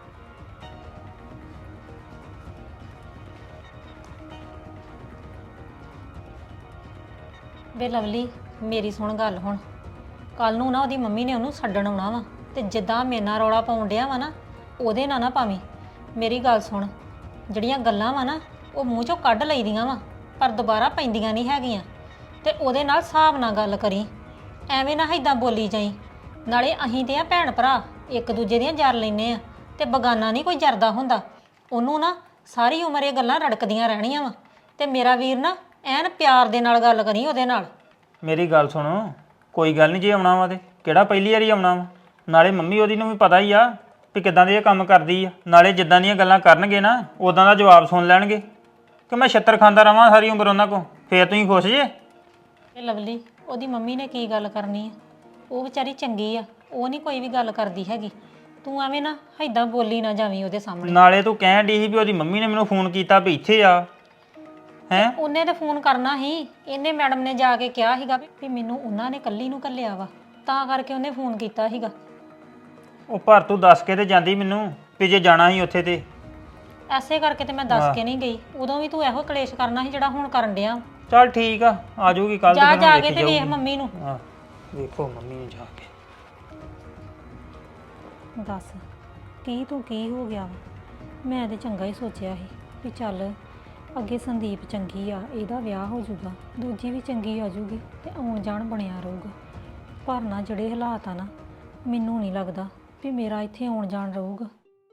ਵੇ ਲਵਲੀ, ਮੇਰੀ ਸੁਣ ਗੱਲ ਹੁਣ। ਕੱਲ ਨੂੰ ਨਾ ਉਹਦੀ ਮੰਮੀ ਨੇ ਉਹਨੂੰ ਛੱਡਣ ਆਉਣਾ ਵਾ ਤੇ ਜਿੱਦਾਂ ਮੇਰੇ ਨਾਲ ਰੌਲਾ ਪਾਉਣ ਡਿਆ ਵਾ ਨਾ, ਉਹਦੇ ਨਾਲ ਨਾ ਪਾਵੀਂ। ਮੇਰੀ ਗੱਲ ਸੁਣ, ਜਿਹੜੀਆਂ ਗੱਲਾਂ ਵਾ ਨਾ ਉਹ ਮੂੰਹ ਚੋਂ ਕੱਢ ਲਈਦੀਆਂ ਵਾ ਪਰ ਦੁਬਾਰਾ ਪੈਂਦੀਆਂ ਨਹੀਂ ਹੈਗੀਆਂ। ਤੇ ਉਹਦੇ ਨਾਲ ਹਿਸਾਬ ਨਾਲ ਗੱਲ ਕਰੀ। ਐਵੇਂ ਨਾ ਇਦਾਂ ਬੋਲੀ ਜਾਈ। ਨਾਲੇ ਅਸੀਂ ਤੇ ਆ ਭੈਣ ਭਰਾ, ਇੱਕ ਦੂਜੇ ਦੀਆਂ ਜਰ ਲੈਨੇ ਆ ਤੇ ਬਗਾਨਾ ਨਹੀਂ ਕੋਈ ਜਰਦਾ ਹੁੰਦਾ। ਉਹਨੂੰ ਨਾ ਸਾਰੀ ਉਮਰ ਇਹ ਗੱਲਾਂ ਰੜਕਦੀਆਂ ਰਹਿਣੀਆਂ ਵਾ। ਤੇ ਮੇਰਾ ਵੀਰ ਨਾ ਐਨ ਪਿਆਰ ਦੇ ਨਾਲ ਗੱਲ ਕਰੀ ਉਹਦੇ ਨਾਲ।
ਮੇਰੀ ਗੱਲ ਸੁਣੋ, ਕੋਈ ਗੱਲ ਨਹੀਂ ਜੇ ਆਉਣਾ ਵਾ ਤੇ ਕਿਹੜਾ ਪਹਿਲੀ ਵਾਰੀ ਆਉਣਾ ਵਾ। ਨਾਲੇ ਮੰਮੀ ਉਹਦੀ ਨੂੰ ਵੀ ਪਤਾ ਹੀ ਆ ਵੀ ਕਿੱਦਾਂ ਦੇ ਇਹ ਕੰਮ ਕਰਦੀ ਆ। ਨਾਲੇ ਜਿੱਦਾਂ ਦੀਆਂ ਗੱਲਾਂ ਕਰਨਗੇ ਨਾ ਉਦਾਂ ਦਾ ਜਵਾਬ ਸੁਣ ਲੈਣਗੇ ਕਿ ਮੈਂ ਛੱਤਰ ਖਾਂਦਾ ਰਵਾਂ ਸਾਰੀ ਉਮਰ ਉਹਨਾਂ ਕੋਲ। ਫੇਰ ਤੁਸੀਂ ਖੁਸ਼ ਜੇ?
ਇਹ ਲਵਲੀ ਉਹਦੀ ਮੰਮੀ ਨੇ ਕੀ ਗੱਲ ਕਰਨੀ ਆ? ਉਹ ਵਿਚਾਰੀ ਚੰਗੀ ਆ, ਉਹ ਨਹੀਂ ਕੋਈ ਵੀ ਗੱਲ ਕਰਦੀ ਹੈਗੀ। ਤੂੰ ਐਵੇਂ ਨਾ ਏਦਾਂ ਬੋਲੀ ਨਾ ਜਾਵੀਂ ਉਹਦੇ ਸਾਹਮਣੇ।
ਨਾਲੇ ਤੂੰ ਕਹਿਣ ਡਈ ਸੀ ਵੀ ਉਹਦੀ ਮੰਮੀ ਨੇ ਮੈਨੂੰ ਫੋਨ ਕੀਤਾ ਵੀ ਇੱਥੇ ਆ। ਹੈਂ?
ਉਹਨੇ ਤੇ ਫੋਨ ਕਰਨਾ ਸੀ, ਇਹਨੇ ਮੈਡਮ ਨੇ ਜਾ ਕੇ ਕਿਹਾ ਸੀਗਾ ਵੀ ਮੈਨੂੰ ਉਹਨਾਂ ਨੇ ਕੱਲੀ ਨੂੰ ਘੱਲਿਆ ਵਾ, ਤਾਂ ਕਰਕੇ ਉਹਨੇ ਫੋਨ ਕੀਤਾ ਸੀਗਾ।
ਉਹ ਪਰ ਤੂੰ ਦੱਸ ਕੇ ਤੇ ਜਾਂਦੀ ਮੈਨੂੰ ਵੀ ਜੇ ਜਾਣਾ ਸੀ ਉੱਥੇ ਤੇ।
ਐਸੇ ਕਰਕੇ ਤੇ ਮੈਂ ਦੱਸ ਕੇ ਨਹੀਂ ਗਈ। ਉਦੋਂ ਵੀ ਤੂੰ ਇਹੋ ਕਲੇਸ਼ ਕਰਨਾ ਸੀ ਜਿਹੜਾ ਹੁਣ ਕਰਨ ਡਿਆ।
ਚੱਲ ਠੀਕ ਆ, ਆ ਜਾਊਗੀ ਕੱਲ
ਜਾ ਜਾ ਕੇ ਤੇ ਵੇਖ ਮੰਮੀ ਨੂੰ।
ਹਾਂ ਵੇਖੋ ਮੰਮੀ ਨੂੰ ਜਾ ਕੇ।
ਦੱਸ ਕੀ ਹੋ ਗਿਆ ਵਾ? ਮੈਂ ਤੇ ਚੰਗਾ ਹੀ ਸੋਚਿਆ ਸੀ ਵੀ ਚੱਲ ਅੱਗੇ ਸੰਦੀਪ ਚੰਗੀ ਆ, ਇਹਦਾ ਵਿਆਹ ਹੋ ਜਾਊਗਾ, ਦੂਜੀ ਵੀ ਚੰਗੀ ਆ ਜਾਊਗੀ ਤੇ ਆਉਣ ਜਾਣ ਬਣਿਆ ਰਹੂਗਾ। ਪਰ ਨਾ ਜਿਹੜੇ ਹਾਲਾਤ ਆ ਨਾ, ਮੈਨੂੰ ਨਹੀਂ ਲੱਗਦਾ ਵੀ ਮੇਰਾ ਇੱਥੇ ਆਉਣ ਜਾਣ ਰਹੂਗਾ।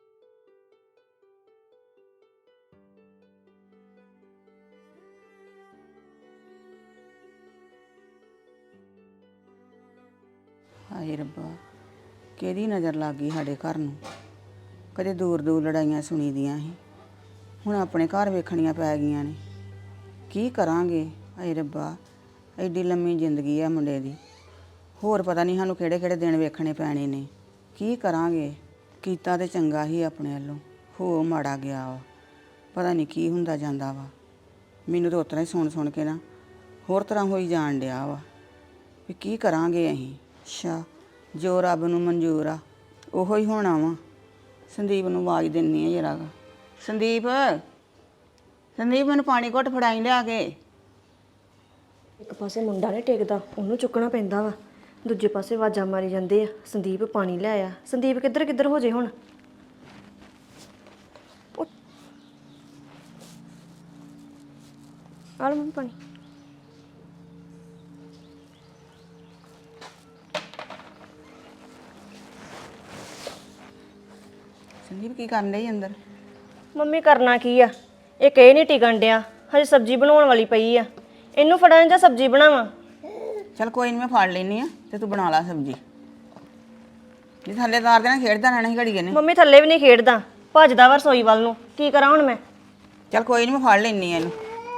ਹਾਏ ਰੱਬਾ, ਕਿਹਦੀ ਨਜ਼ਰ ਲੱਗ ਗਈ ਸਾਡੇ ਘਰ ਨੂੰ? ਕਦੇ ਦੂਰ ਦੂਰ ਲੜਾਈਆਂ ਸੁਣੀ ਦੀਆਂ ਸੀ, ਹੁਣ ਆਪਣੇ ਘਰ ਵੇਖਣੀਆਂ ਪੈ ਗਈਆਂ ਨੇ। ਕੀ ਕਰਾਂਗੇ? ਹਾਏ ਰੱਬਾ, ਐਡੀ ਲੰਮੀ ਜ਼ਿੰਦਗੀ ਆ ਮੁੰਡੇ ਦੀ, ਹੋਰ ਪਤਾ ਨਹੀਂ ਸਾਨੂੰ ਕਿਹੜੇ ਕਿਹੜੇ ਦਿਨ ਵੇਖਣੇ ਪੈਣੇ ਨੇ। ਕੀ ਕਰਾਂਗੇ? ਕੀਤਾ ਤੇ ਚੰਗਾ ਹੀ ਆਪਣੇ ਵੱਲੋਂ, ਹੋ ਮਾੜਾ ਗਿਆ ਵਾ। ਪਤਾ ਨਹੀਂ ਕੀ ਹੁੰਦਾ ਜਾਂਦਾ ਵਾ। ਮੈਨੂੰ ਤਾਂ ਉਸ ਤਰ੍ਹਾਂ ਹੀ ਸੁਣ ਕੇ ਨਾ ਹੋਰ ਤਰ੍ਹਾਂ ਹੋਈ ਜਾਣ ਡਿਆ ਵਾ ਵੀ ਕੀ ਕਰਾਂਗੇ ਅਸੀਂ। ਅੱਛਾ, ਜੋ ਰੱਬ ਨੂੰ ਮਨਜ਼ੂਰ ਆ ਉਹੋ ਹੀ ਹੋਣਾ ਵਾ। ਸੰਦੀਪ ਨੂੰ ਆਵਾਜ਼ ਦਿੰਨੀ ਆ ਜਰਾ। ਸੰਦੀਪ, ਸੰਦੀਪ ਮੈਨੂੰ ਪਾਣੀ ਘੁੱਟ ਫੜਾਈ ਲਿਆ ਕੇ।
ਇੱਕ ਪਾਸੇ ਮੁੰਡਾ ਨੇ ਟੇਕਦਾ, ਉਹਨੂੰ ਚੁੱਕਣਾ ਪੈਂਦਾ ਵਾ, ਦੂਜੇ ਪਾਸੇ ਆਵਾਜ਼ਾਂ ਮਾਰੀ ਜਾਂਦੇ ਆ ਸੰਦੀਪ ਪਾਣੀ ਲੈ ਆ। ਸੰਦੀਪ ਕਿੱਧਰ ਹੋ ਜੇ ਹੁਣ? ਆ ਲਓ ਮੰਮੀ ਪਾਣੀ।
ਸੰਦੀਪ ਕੀ ਕਰਨ ਡਈ ਅੰਦਰ?
ਮੰਮੀ ਕਰਨਾ ਕੀ ਆ, ਇਹ ਨਹੀਂ ਟਿਕਣ ਡਿਆ, ਹਜੇ ਸਬਜ਼ੀ ਬਣਾਉਣ ਵਾਲੀ ਪਈ ਆ। ਇਹਨੂੰ ਫੜਾਂ ਜਾਂ ਸਬਜ਼ੀ ਬਣਾਵਾਂ?
ਚੱਲ ਕੋਈ ਨਹੀਂ, ਮੈਂ ਫੜ ਲੈਣੀ ਆ ਤੇ ਤੂੰ ਬਣਾ ਲਾ ਸਬਜ਼ੀ। ਜੇ ਥੱਲੇ ਤਾਰ ਦੇਣਾ ਖੇਡਦਾ ਰਹਿਣਾ ਸੀ ਘੜੀ ਨੇ।
ਮੰਮੀ ਥੱਲੇ ਵੀ ਨਹੀਂ ਖੇਡਦਾ, ਭੱਜਦਾ ਵਾ ਰਸੋਈ ਵੱਲ ਨੂੰ। ਕੀ ਕਰਾਂ ਹੁਣ ਮੈਂ?
ਚੱਲ ਕੋਈ ਨਹੀਂ, ਮੈਂ ਫੜ ਲੈਣੀ ਆ ਇਹਨੂੰ।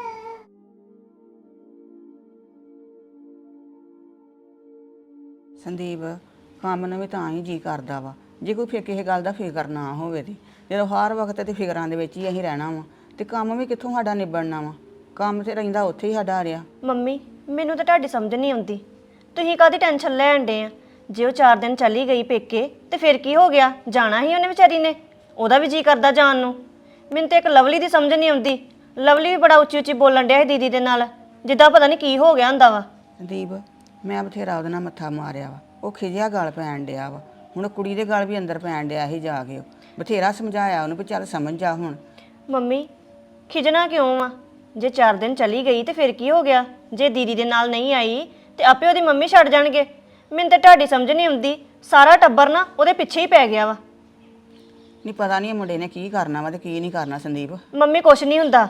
ਸੰਦੀਪ, ਕੰਮ ਨੂੰ ਵੀ ਤਾਂ ਹੀ ਜੀ ਕਰਦਾ ਵਾ ਜੇ ਕੋਈ ਫਿਰ ਕਿਸੇ ਗੱਲ ਦਾ ਫਿਕਰ ਨਾ ਹੋਵੇ ਤੇ। ਜਦੋਂ ਹਰ ਵਕਤ ਤੇ ਫਿਕਰਾਂ ਦੇ ਵਿੱਚ ਹੀ ਅਸੀਂ ਰਹਿਣਾ ਵਾ ਤੇ ਕੰਮ ਵੀ ਕਿੱਥੋਂ ਸਾਡਾ ਨਿਬੜਨਾ ਵਾ। ਕੰਮ ਤੇ ਰਹਿੰਦਾ ਉੱਥੇ ਹੀ ਸਾਡਾ ਆ ਰਿਹਾ।
ਮੰਮੀ ਮੈਨੂੰ ਤਾਂ ਤੁਹਾਡੀ ਸਮਝ ਨਹੀਂ ਆਉਂਦੀ, ਤੁਸੀਂ ਕਾਹਦੀ ਟੈਨਸ਼ਨ ਲੈਣ ਡੇ ਆ? ਜੇ ਉਹ 4 ਦਿਨ ਚਲੀ ਗਈ ਪੇਕੇ ਤੇ ਫਿਰ ਕੀ ਹੋ ਗਿਆ? ਜਾਣਾ ਹੀ ਉਹਨੇ ਵਿਚਾਰੀ ਨੇ, ਉਹਦਾ ਵੀ ਜੀ ਕਰਦਾ ਜਾਣ ਨੂੰ। ਮੈਨੂੰ ਤਾਂ ਇੱਕ ਲਵਲੀ ਦੀ ਸਮਝ ਨਹੀਂ ਆਉਂਦੀ। ਲਵਲੀ ਵੀ ਬੜਾ ਉੱਚੀ ਉੱਚੀ ਬੋਲਣ ਡਿਆ ਸੀ ਦੀਦੀ ਦੇ ਨਾਲ, ਜਿੱਦਾਂ ਪਤਾ ਨਹੀਂ ਕੀ ਹੋ ਗਿਆ ਹੁੰਦਾ ਵਾ।
ਸੰਦੀਪ, ਮੈਂ ਬਥੇਰਾ ਉਹਦੇ ਨਾਲ ਮੱਥਾ ਮਾਰਿਆ ਵਾ, ਉਹ ਖਿਜਿਆ ਗਲ ਪੈਣ ਡਿਆ ਵਾ। ਹੁਣ ਕੁੜੀ ਦੇ ਗਲ ਵੀ ਅੰਦਰ ਪੈਣ ਡਿਆ ਸੀ ਜਾ ਕੇ। ਬਥੇਰਾ ਸਮਝਾਇਆ ਉਹਨੂੰ ਵੀ ਚੱਲ ਸਮਝ ਜਾ ਹੁਣ।
ਮੰਮੀ ਖਿਜਣਾ ਕਿਉਂ ਆ? ਜੇ 4 ਦਿਨ ਚਲੀ ਗਈ ਤੇ ਫਿਰ ਕੀ ਹੋ ਗਿਆ? ਜੇ ਦੀਦੀ ਦੇ ਨਾਲ ਨਹੀਂ ਆਈ ਤੇ ਆਪੇ ਉਹਦੀ ਮੰਮੀ ਛੱਡ ਜਾਣਗੇ। ਮੈਨੂੰ ਤਾਂ ਤੁਹਾਡੀ ਸਮਝ ਨਹੀਂ ਆਉਂਦੀ, ਸਾਰਾ ਟੱਬਰ ਨਾ ਉਹਦੇ ਪਿੱਛੇ ਹੀ ਪੈ ਗਿਆ ਵਾ।
ਨਹੀਂ ਪਤਾ ਨਹੀਂ ਮੁੰਡੇ ਨੇ ਕੀ ਕਰਨਾ ਵਾ ਤੇ ਕੀ ਨਹੀਂ ਕਰਨਾ। ਸੰਦੀਪ,
ਮੰਮੀ ਕੁਛ ਨਹੀਂ ਹੁੰਦਾ,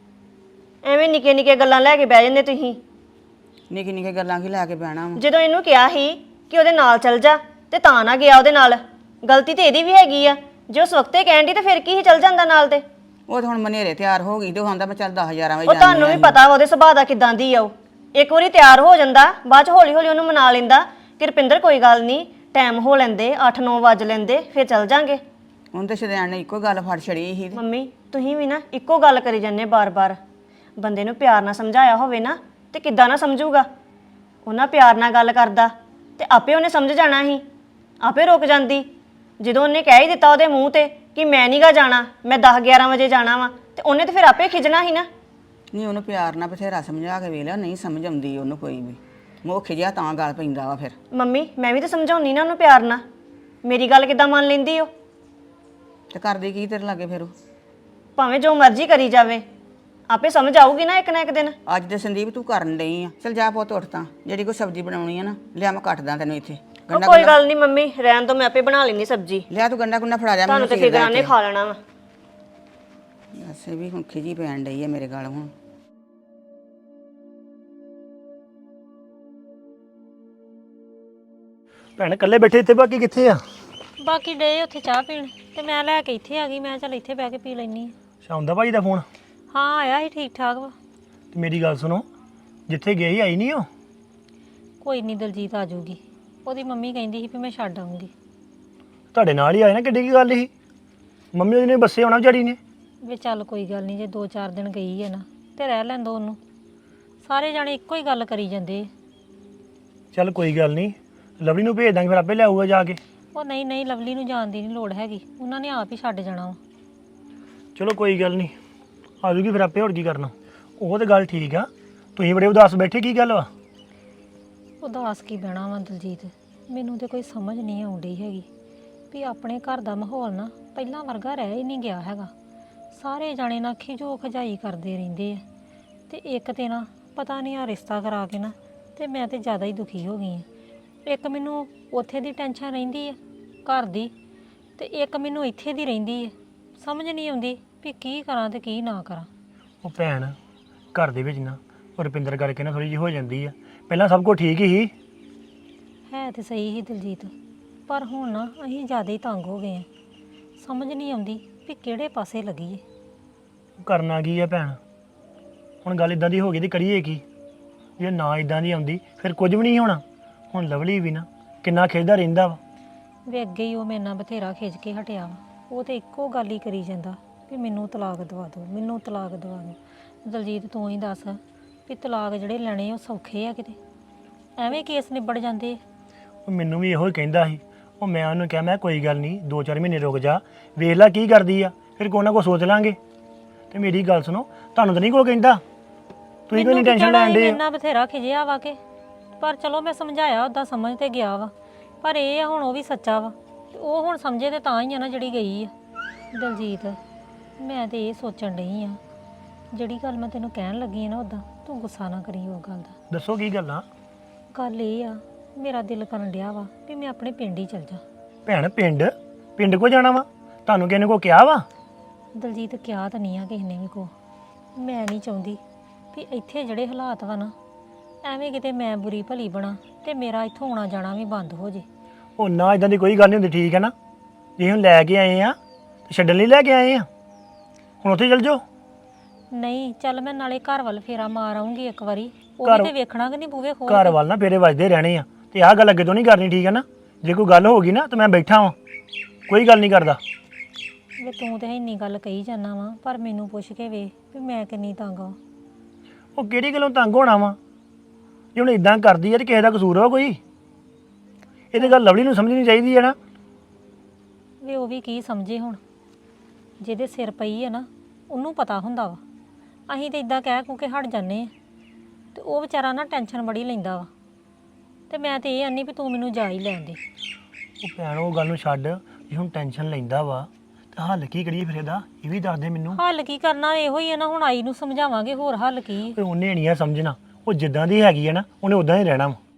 ਐਵੇਂ ਨਿੱਕੇ ਨਿੱਕੇ ਗੱਲਾਂ ਲੈ ਕੇ ਬਹਿ ਜਾਂਦੇ ਤੁਸੀਂ।
ਨਿੱਕੀ ਨਿੱਕੀ ਗੱਲਾਂ ਕੀ ਲੈ ਕੇ ਬਹਿਣਾ ਵਾ?
ਜਦੋਂ ਇਹਨੂੰ ਕਿਹਾ ਸੀ ਕਿ ਉਹਦੇ ਨਾਲ ਚੱਲ ਜਾ ਤੇ ਤਾਂ ਨਾ ਗਿਆ ਉਹਦੇ ਨਾਲ। ਗਲਤੀ ਤੇ ਇਹਦੀ ਵੀ ਹੈਗੀ ਆ, ਜੇ ਉਸ ਵਕਤੇ ਕਹਿਣ ਦੀ ਤੇ ਫਿਰ ਕੀ ਹੀ ਚੱਲ ਜਾਂਦਾ ਨਾਲ ਤੇ।
ਉਹ ਤਾਂ ਹੁਣ ਮਨੇਰੇ ਤਿਆਰ ਹੋ ਗਈ ਤੇ ਉਹ ਆਂਦਾ ਮੈਂ ਚੱਲ 10,000 ਵਜੇ
ਉਹ ਤੁਹਾਨੂੰ ਵੀ ਪਤਾ ਉਹਦੇ ਸੁਭਾਅ ਦਾ ਕਿਦਾਂ ਦੀ ਆ। ਉਹ ਇੱਕ ਵਾਰੀ ਤਿਆਰ ਹੋ ਜਾਂਦਾ, ਬਾਅਦ ਚ ਹੌਲੀ ਹੌਲੀ ਉਹਨੂੰ ਮਨਾ ਲੈਂਦਾ ਕਿ ਰੁਪਿੰਦਰ ਕੋਈ ਗੱਲ ਨਹੀਂ, ਟਾਈਮ ਹੋ ਲੈਂਦੇ, 8-9 ਵਜ ਲੈਂਦੇ, ਫਿਰ ਚੱਲ ਜਾਂਗੇ।
ਹੁਣ ਤੇ ਸ਼ਦੈਣ ਨੇ ਇੱਕੋ ਗੱਲ ਫੜ ਛੜੀ ਸੀ।
ਮੰਮੀ ਤੁਸੀਂ ਵੀ ਨਾ ਇੱਕੋ ਗੱਲ ਕਰੀ ਜਾਂਦੇ ਬਾਰ-ਬਾਰ। ਬੰਦੇ ਨੂੰ ਪਿਆਰ ਨਾਲ ਸਮਝਾਇਆ ਹੋਵੇ ਨਾ ਤੇ ਕਿੱਦਾਂ ਨਾ ਸਮਝੂਗਾ। ਉਹਨਾਂ ਪਿਆਰ ਨਾਲ ਗੱਲ ਕਰਦਾ ਤੇ ਆਪੇ ਉਹਨੇ ਸਮਝ ਜਾਣਾ ਸੀ, ਆਪੇ ਰੁਕ ਜਾਂਦੀ। ਜਦੋਂ ਉਹਨੇ ਕਹਿ ਹੀ ਦਿੱਤਾ ਉਹਦੇ ਮੂੰਹ ਤੇ ਕਿ ਮੈਂ ਨਹੀਂਗਾ ਜਾਣਾ, ਮੈਂ 10-11 ਵਜੇ ਜਾਣਾ ਵਾ, ਤੇ ਉਹਨੇ ਤੇ ਫਿਰ ਆਪੇ ਖਿਜਣਾ ਸੀ ਨਾ।
ਨਹੀਂ, ਉਹਨੂੰ ਪਿਆਰ ਨਾਲ ਬਥੇਰਾ ਸਮਝਾ ਕੇ ਵੇਖ ਲਿਆ, ਨਹੀਂ ਸਮਝ ਆਉਂਦੀ ਉਹਨੂੰ ਕੋਈ ਵੀ। ਮੋਹ ਖਿਜਿਆ ਤਾਂ ਗੱਲ ਪੈਂਦਾ ਵਾ ਫਿਰ।
ਮੰਮੀ ਮੈਂ ਵੀ ਤਾਂ ਸਮਝਾਉਣੀ ਨਾ ਉਹਨੂੰ ਪਿਆਰ ਨਾਲ, ਮੇਰੀ ਗੱਲ ਕਿੱਦਾਂ ਮੰਨ ਲੈਂਦੀ ਉਹ?
ਤੇ ਕਰਦੀ ਕੀ ਤੇਰੇ ਲਾਗੇ ਫਿਰ ਉਹ?
ਭਾਵੇਂ ਜੋ ਮਰਜ਼ੀ ਕਰੀ ਜਾਵੇ, ਆਪੇ ਸਮਝ ਆਊਗੀ ਨਾ ਇੱਕ ਦਿਨ।
ਅੱਜ ਦੇ ਸੰਦੀਪ ਤੂੰ ਕਰਨ ਡਈ ਆ, ਚਲ ਜਾ ਪੁੱਤ ਉੱਠ ਤਾਂ। ਜਿਹੜੀ ਕੋਈ ਸਬਜ਼ੀ ਬਣਾਉਣੀ ਆ ਨਾ ਲਿਆ, ਮੈਂ ਕੱਟਦਾ ਤੈਨੂੰ ਇੱਥੇ।
ਉਹ ਕੋਈ ਗੱਲ ਨਹੀਂ ਮੰਮੀ, ਰਹਿਣ ਤੋਂ ਮੈਂ ਆਪੇ ਬਣਾ ਲੈਣੀ ਸਬਜ਼ੀ।
ਲਿਆ ਤੂੰ ਗੰਡਾ ਗੁੰਡਾ ਫੜਾ ਜਾ
ਤੁਹਾਨੂੰ ਤੇ ਫਿਕਰਾਂ ਨੇ ਖਾ ਲੈਣਾ ਵਾ।
ਵੈਸੇ ਵੀ ਹੁਣ ਖਿਜੀ ਪੈਣ ਡਈ ਆ ਮੇਰੇ ਗਲ ਹੁਣ।
ਭੈਣ ਇਕੱਲੇ ਬੈਠੇ ਇੱਥੇ, ਬਾਕੀ ਕਿੱਥੇ ਆ?
ਬਾਕੀ ਡੇ ਉੱਥੇ ਚਾਹ ਪੀਣ ਤੇ ਮੈਂ ਲੈ ਕੇ ਇੱਥੇ ਆ ਗਈ। ਮੈਂ ਚੱਲ ਇੱਥੇ ਬਹਿ ਕੇ ਪੀ ਲੈਣੀ।
ਸ਼ਾਮ ਭਾਜੀ ਦਾ ਫੋਨ?
ਹਾਂ ਆਇਆ ਸੀ, ਠੀਕ ਠਾਕ ਵਾ।
ਤੇ ਮੇਰੀ ਗੱਲ ਸੁਣੋ, ਜਿੱਥੇ ਗਏ ਸੀ ਆਈ ਨਹੀਂ ਉਹ?
ਕੋਈ ਨਹੀਂ, ਦਲਜੀਤ ਆ ਜਾਊਗੀ। ਉਹਦੀ ਮੰਮੀ ਕਹਿੰਦੀ ਸੀ ਵੀ ਮੈਂ ਛੱਡ ਆਉਂਗੀ।
ਤੁਹਾਡੇ ਨਾਲ ਹੀ ਆਏ ਨਾ, ਕਿੱਡੀ ਕੀ ਗੱਲ ਸੀ? ਮੰਮੀ ਉਹਦੀ ਨੇ ਬੱਸੇ ਆਉਣਾ ਵਿਚਾਰੀ ਨੇ।
ਵੀ ਚੱਲ ਕੋਈ ਗੱਲ ਨਹੀਂ, ਜੇ 2-4 ਦਿਨ ਗਈ ਹੈ ਨਾ ਤੇ ਰਹਿ ਲੈਣ ਦੋ ਉਹਨੂੰ। ਸਾਰੇ ਜਾਣੇ ਇੱਕੋ ਹੀ ਗੱਲ ਕਰੀ ਜਾਂਦੇ ਆ।
ਚੱਲ ਕੋਈ ਗੱਲ ਨਹੀਂ, ਲਵਲੀ ਨੂੰ ਭੇਜ ਦਾਂਗੇ, ਫਿਰ ਆਪੇ ਲਿਆਊਗਾ ਜਾ ਕੇ।
ਉਹ ਨਹੀਂ, ਲਵਲੀ ਨੂੰ ਜਾਣ ਦੀ ਨਹੀਂ ਲੋੜ ਹੈਗੀ, ਉਹਨਾਂ ਨੇ ਆਪ ਹੀ ਛੱਡ ਜਾਣਾ ਵਾ।
ਚਲੋ ਕੋਈ ਗੱਲ ਨਹੀਂ, ਆ ਜੂਗੀ ਫਿਰ ਆਪੇ, ਹੋਰ ਕੀ ਕਰਨਾ। ਉਹ ਤਾਂ ਗੱਲ ਠੀਕ ਆ, ਤੁਸੀਂ ਬੜੇ ਉਦਾਸ ਬੈਠੇ, ਕੀ ਗੱਲ ਵਾ?
ਉਦਾਸ ਕੀ ਬਹਿਣਾ ਵਾ ਦਲਜੀਤ, ਮੈਨੂੰ ਤੇ ਕੋਈ ਸਮਝ ਨਹੀਂ ਆਉਂਦੀ ਹੈਗੀ ਵੀ ਆਪਣੇ ਘਰ ਦਾ ਮਾਹੌਲ ਨਾ ਪਹਿਲਾਂ ਵਰਗਾ ਰਹਿ ਹੀ ਨਹੀਂ ਗਿਆ ਹੈਗਾ। ਸਾਰੇ ਜਾਣੇ ਨਾ ਖਿਜੋ ਖਜਾਈ ਕਰਦੇ ਰਹਿੰਦੇ ਆ ਤੇ ਇੱਕ ਤੇ ਨਾ ਪਤਾ ਨਹੀਂ ਆ ਰਿਸ਼ਤਾ ਕਰਾ ਕੇ ਨਾ ਤੇ ਮੈਂ ਤੇ ਜ਼ਿਆਦਾ ਹੀ ਦੁਖੀ ਹੋ ਗਈ ਆ। ਇੱਕ ਮੈਨੂੰ ਉੱਥੇ ਦੀ ਟੈਨਸ਼ਨ ਰਹਿੰਦੀ ਹੈ ਘਰ ਦੀ, ਤੇ ਇੱਕ ਮੈਨੂੰ ਇੱਥੇ ਦੀ ਰਹਿੰਦੀ ਹੈ। ਸਮਝ ਨਹੀਂ ਆਉਂਦੀ ਵੀ ਕੀ ਕਰਾਂ ਤੇ ਕੀ ਨਾ ਕਰਾਂ।
ਉਹ ਭੈਣ, ਘਰ ਦੇ ਵਿੱਚ ਨਾ ਉਹ ਰੁਪਿੰਦਰ ਕਰਕੇ ਨਾ ਥੋੜੀ ਜਿਹੀ ਹੋ ਜਾਂਦੀ ਆ। ਪਹਿਲਾਂ ਸਭ ਕੁਝ ਠੀਕ ਹੀ
ਹੈ ਤੇ ਸਹੀ ਹੀ ਦਲਜੀਤ, ਪਰ ਹੁਣ ਨਾ ਅਸੀਂ ਜ਼ਿਆਦਾ ਹੀ ਤੰਗ ਹੋ ਗਏ ਆ। ਸਮਝ ਨਹੀਂ ਆਉਂਦੀ ਵੀ ਕਿਹੜੇ ਪਾਸੇ ਲੱਗੀਏ।
ਕਰਨਾ ਕੀ ਆ ਭੈਣ, ਹੁਣ ਗੱਲ ਇਦਾਂ ਦੀ ਹੋ ਗਈ ਤੇ ਕਰੀਏ ਕੀ? ਜੇ ਨਾ ਇਦਾਂ ਦੀ ਆਉਂਦੀ ਫਿਰ ਕੁਝ ਵੀ ਨਹੀਂ ਹੋਣਾ। ਹੁਣ ਲਵਲੀ ਵੀ ਨਾ ਕਿੰਨਾ ਖਿੱਚਦਾ ਰਹਿੰਦਾ ਵਾ।
ਵੀ ਅੱਗੇ ਹੀ ਉਹ ਮੇਰੇ ਨਾਲ ਬਥੇਰਾ ਖਿੱਚ ਕੇ ਹਟਿਆ ਵਾ। ਉਹ ਤੇ ਇੱਕੋ ਗੱਲ ਹੀ ਕਰੀ ਜਾਂਦਾ ਵੀ ਮੈਨੂੰ ਤਲਾਕ ਦਵਾ ਦਿਓ, ਮੈਨੂੰ ਤਲਾਕ ਦਵਾ ਦਿਓ। ਦਲਜੀਤ ਤੂੰ ਹੀ ਦੱਸ ਵੀ ਤਲਾਕ ਜਿਹੜੇ ਲੈਣੇ ਉਹ ਸੌਖੇ ਆ ਕਿਤੇ? ਐਵੇਂ ਕੇਸ ਨਿਬੜ ਜਾਂਦੇ ਆ।
ਉਹ ਮੈਨੂੰ ਵੀ ਇਹੋ ਹੀ ਕਹਿੰਦਾ ਸੀ। ਉਹ ਮੈਂ ਉਹਨੂੰ ਕਿਹਾ, ਮੈਂ ਕੋਈ ਗੱਲ ਨਹੀਂ, 2-4 ਮਹੀਨੇ ਰੁਕ ਜਾ, ਵੇਖ ਲੈ ਕੀ ਕਰਦੀ ਆ, ਫਿਰ ਕੋਈ ਨਾ ਕੋਈ ਸੋਚ ਲਾਂਗੇ। ਤੇ ਮੇਰੀ ਗੱਲ ਸੁਣੋ, ਤੁਹਾਨੂੰ ਤਾਂ ਨਹੀਂ ਕੋਈ ਕਹਿੰਦਾ, ਤੁਸੀਂ ਕੋਈ ਨਹੀਂ ਟੈਨਸ਼ਨ ਲੈਣ ਦੇ।
ਇੰਨਾ ਬਥੇਰਾ ਖਿਜਿਆ ਵਾ ਕੇ, ਪਰ ਚਲੋ ਮੈਂ ਸਮਝਾਇਆ, ਉੱਦਾਂ ਸਮਝ ਤੇ ਗਿਆ ਵਾ। ਪਰ ਇਹ ਆ ਹੁਣ ਉਹ ਵੀ ਸੱਚਾ ਵਾ, ਤੇ ਉਹ ਹੁਣ ਸਮਝੇ ਤੇ ਤਾਂ ਹੀ ਆ ਨਾ ਜਿਹੜੀ ਗਈ ਆ। ਦਲਜੀਤ, ਮੈਂ ਤੇ ਇਹ ਸੋਚਣ ਡਈ ਆ, ਜਿਹੜੀ ਗੱਲ ਮੈਂ ਤੈਨੂੰ ਕਹਿਣ ਲੱਗੀ ਆ ਨਾ ਉੱਦਾਂ, ਤੂੰ ਗੁੱਸਾ ਨਾ ਕਰੀ ਉਹ ਗੱਲ ਦਾ।
ਦੱਸੋ ਕੀ ਗੱਲ ਆ?
ਗੱਲ ਇਹ ਆ, ਮੇਰਾ ਦਿਲ ਕਰਨ ਡਿਆ ਵਾ ਵੀ ਮੈਂ ਆਪਣੇ ਪਿੰਡ ਹੀ ਚਲ ਜਾ।
ਭੈਣ ਪਿੰਡ ਕੋ ਜਾਣਾ ਵਾ? ਤੁਹਾਨੂੰ ਕਿਸੇ ਨੇ ਕੋ ਕਿਹਾ ਵਾ?
ਦਲਜੀਤ, ਕਿਹਾ ਤਾਂ ਨਹੀਂ ਆ ਕਿਸੇ ਨੇ ਵੀ ਕੋ। ਮੈਂ ਨਹੀਂ ਚਾਹੁੰਦੀ ਵੀ ਇੱਥੇ ਜਿਹੜੇ ਹਾਲਾਤ ਵਾ ਨਾ, ਐਵੇਂ ਕਿਤੇ ਮੈਂ ਬੁਰੀ ਭਲੀ ਬਣਾ ਤੇ ਮੇਰਾ ਇੱਥੋਂ ਆਉਣਾ ਜਾਣਾ ਵੀ ਬੰਦ ਹੋ ਜੇ।
ਉਹ ਨਾ, ਇਦਾਂ ਦੀ ਕੋਈ ਗੱਲ ਨਹੀਂ ਹੁੰਦੀ, ਠੀਕ ਹੈ ਨਾ? ਜੇ ਹੁਣ ਲੈ ਕੇ ਆਏ ਆ ਤੇ ਛੱਡਣ ਲਈ ਲੈ ਕੇ ਆਏ ਆ, ਹੁਣ ਉੱਥੇ ਚਲ ਜਾਓ।
ਨਹੀਂ, ਚੱਲ ਮੈਂ ਨਾਲੇ ਘਰ ਵੱਲ ਫੇਰਾ ਮਾਰ ਆਉਂਗੀ ਇੱਕ ਵਾਰੀ। ਉਹ ਵੀ ਤੇ ਵੇਖਣਾ ਕਿ ਨਹੀਂ ਬੂਹੇ ਖੋਲ
ਘਰ ਵੱਲ ਨਾ ਫੇਰੇ ਵੱਜਦੇ ਰਹਿਣੇ ਆ, ਤੇ ਆਹ ਗੱਲ ਅੱਗੇ ਤੋਂ ਨਹੀਂ ਕਰਨੀ, ਠੀਕ ਹੈ ਨਾ? ਜੇ ਕੋਈ ਗੱਲ ਹੋ ਗਈ ਨਾ ਤਾਂ ਮੈਂ ਬੈਠਾ ਵਾਂ, ਕੋਈ ਗੱਲ ਨਹੀਂ ਕਰਦਾ।
ਵੀ ਤੂੰ ਤੇ ਇੰਨੀ ਗੱਲ ਕਹੀ ਜਾਂਦਾ ਵਾ, ਪਰ ਮੈਨੂੰ ਪੁੱਛ ਕੇ ਵੇਖ ਵੀ ਮੈਂ ਕਿੰਨੀ ਤੰਗ ਆ।
ਉਹ ਕਿਹੜੀ ਗੱਲੋਂ ਤੰਗ ਹੋਣਾ ਵਾ? ਜੇ ਹੁਣ ਇਦਾਂ ਕਰਦੀ ਹੈ ਤੇ ਕਿਸੇ ਦਾ ਕਸੂਰ ਵਾ ਕੋਈ? ਇਹ ਤੇ ਗੱਲ ਲਵਲੀ ਨੂੰ ਸਮਝਣੀ ਚਾਹੀਦੀ ਹੈ ਨਾ।
ਵੀ ਉਹ ਵੀ ਕੀ ਸਮਝੇ ਹੁਣ, ਜਿਹਦੇ ਸਿਰ ਪਈ ਹੈ ਨਾ ਉਹਨੂੰ ਪਤਾ ਹੁੰਦਾ ਵਾ। ਅਸੀਂ ਤੇ ਇਦਾਂ ਕਹਿ ਕੂ ਕੇ ਹਟ ਜਾਂਦੇ ਆ, ਤੇ ਉਹ ਵਿਚਾਰਾ ਨਾ ਟੈਨਸ਼ਨ ਬੜੀ ਲੈਂਦਾ ਵਾ। ਤੇ ਮੈਂ ਤੇ ਇਹ ਆਨੀ ਵੀ ਤੂੰ ਮੈਨੂੰ ਜਾ ਹੀ ਲੈਣ ਦੇ।
ਉਹ ਭੈਣ, ਉਹ ਗੱਲ ਨੂੰ ਛੱਡ, ਜੇ ਹੁਣ ਟੈਨਸ਼ਨ ਲੈਂਦਾ ਵਾ ਤਾਂ ਹੱਲ ਕੀ ਕਰੀਏ ਫਿਰ ਇਹਦਾ? ਇਹ ਵੀ ਦੱਸ ਦੇ ਮੈਨੂੰ।
ਹੱਲ ਕੀ ਕਰਨਾ, ਇਹੋ ਹੀ ਹੈ ਨਾ, ਹੁਣ ਆਈ ਨੂੰ ਸਮਝਾਵਾਂਗੇ, ਹੋਰ ਹੱਲ ਕੀ।
ਉਹਨੇ ਨਹੀਂ ਆ ਸਮਝਣਾ, ਉਹ ਜਿੱਦਾਂ ਦੀ ਹੈਗੀ ਹੈ ਨਾ ਉਹਨੇ ਉਦਾਂ ਹੀ ਰਹਿਣਾ ਵਾ।